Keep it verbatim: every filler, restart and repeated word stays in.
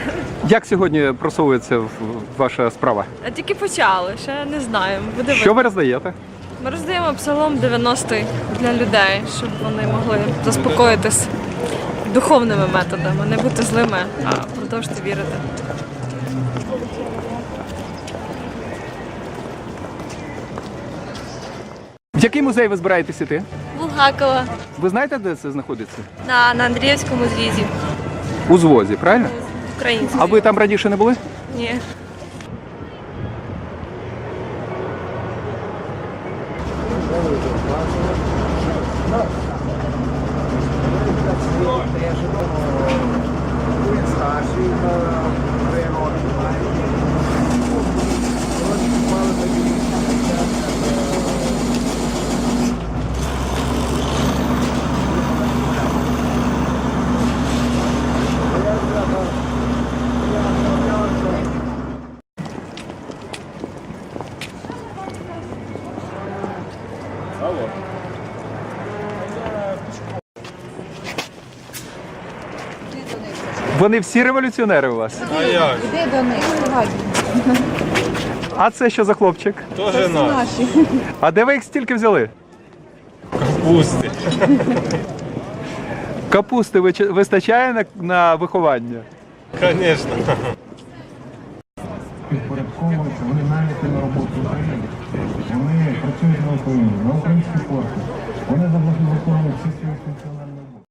Як сьогодні просовується ваша справа? А тільки почали, ще не знаємо. Буде Що ви роздаєте? Ми роздаємо псалом дев'яностий для людей, щоб вони могли заспокоїтись духовними методами, не бути злими, а продовжити вірити. В який музей ви збираєтесь іти? Булгакова. Ви знаєте, де це знаходиться? На, на Андріївському зрізі. У Звозі, правильно? Українською. А ви там раніше не були? Ні. Вони всі революціонери у вас? А як? Іди до них, сьогодні. А це що за хлопчик? Тоже наш. Наші. А де ви їх стільки взяли? Капусти. Капусти вича- вистачає на, на виховання? Звісно. Підпорядковуються, вони наняті на роботу в Україні. Вони працюють на Україні, на українській пошті. Вони виконують всі свої функціональні.